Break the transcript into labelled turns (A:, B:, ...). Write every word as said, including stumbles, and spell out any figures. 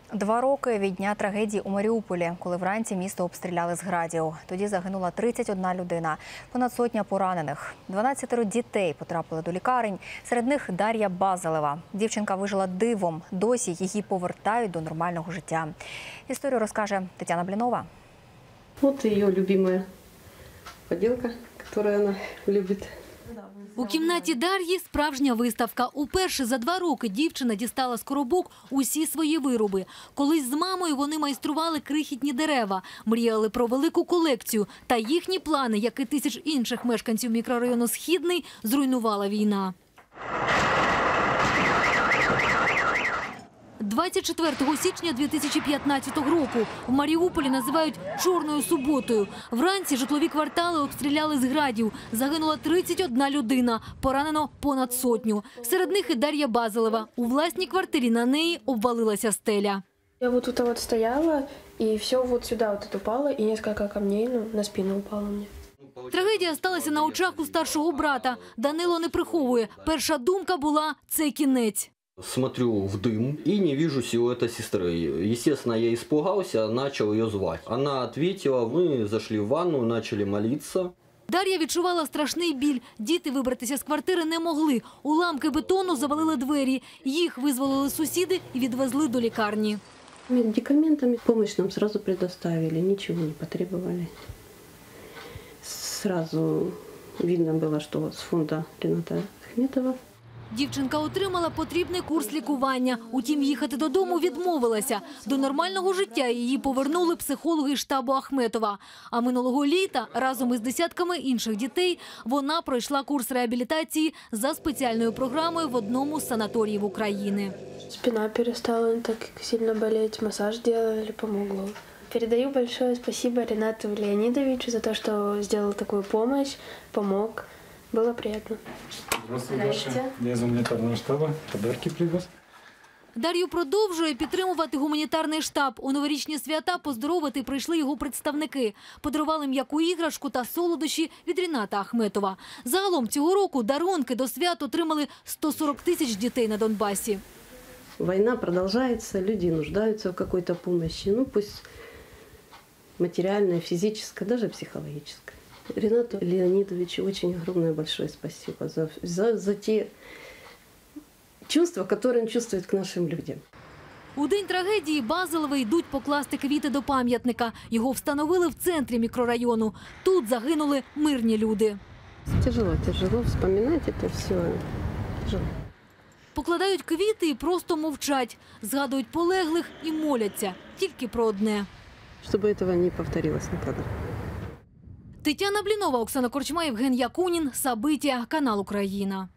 A: Два роки від дня трагедії у Маріуполі, коли вранці місто обстріляли з градів. Тоді загинула тридцять одна людина, понад сотня поранених. дванадцятеро дітей потрапили до лікарень, серед них Дар'я Базалева. Дівчинка вижила дивом, досі її повертають до нормального життя. Історію розкаже Тетяна Блінова.
B: Вот ее любимая поделка, которую она любит.
C: У кімнаті Дар'ї справжня виставка. Уперше за два роки дівчина дістала з коробок усі свої вироби. Колись з мамою вони майстрували крихітні дерева, мріяли про велику колекцію. Та їхні плани, як і тисяч інших мешканців мікрорайону «Східний», зруйнувала війна. двадцять четвертого січня дві тисячі п'ятнадцятого року в Маріуполі називають «чорною суботою». Вранці житлові квартали обстріляли з градів. Загинула тридцять одна людина, поранено понад сотню. Серед них і Дар'я Базалева. У власній квартирі на неї обвалилася стеля.
D: Я вот тут вот стояла, и все вот сюда вот это упало, и несколько камней ну, на спину упало мне.
C: Трагедія сталася на очах у старшого брата. Данило не приховує. Перша думка була – це кінець.
E: Смотрю в дым и не вижу силуэта сестры. Естественно, я испугался, начал ее звать. Она ответила, мы зашли в ванну, начали молиться.
C: Дар'я відчувала страшний біль. Діти вибратися з квартири не могли. Уламки бетону завалили двері. Їх визволили сусіди і відвезли до лікарні.
B: Медикаментами помощь нам сразу предоставили, ничего не потребовали. Сразу видно было, что с фонда Рената Ахметова.
C: Дівчинка отримала потрібний курс лікування. Утім, їхати додому відмовилася. До нормального життя її повернули психологи штабу Ахметова. А минулого літа разом із десятками інших дітей вона пройшла курс реабілітації за спеціальною програмою в одному з санаторіїв України.
D: Спина перестала не так сильно болеть, массаж делали, помогло. Передаю большое спасибо Ренату Леонидовичу за то, что сделал такую помощь, помог. Было приятно.
F: Здравствуй, Даша. Я из гуманитарного штаба. Подарки привез.
C: Дар'ю продовжує підтримувати гуманітарний штаб. У новорічні свята поздоровити прийшли його представники. Подарували м'яку іграшку та солодощі від Рената Ахметова. Загалом цього року дарунки до свят отримали сто сорок тисяч дітей на Донбасі.
B: Война продолжается, люди нуждаются в какой-то помощи. Ну, пусть материальная, физическая, даже психологическая. Ренату Леонидовичу очень огромное большое спасибо за, за, за те чувства, которые он чувствует к нашим людям.
C: У день трагедії Базалеви йдуть покласти квіти до пам'ятника. Його встановили в центрі мікрорайону. Тут загинули мирні люди.
B: Тяжело, тяжело вспоминать это все. Тяжело.
C: Покладають квіти і просто мовчать. Згадують полеглих і моляться. Тільки про одне.
B: Щоб цього не повторилось ніколи.
C: Тетяна Блінова, Оксана Корчма, Євген Якунін, Сабиття, канал Україна.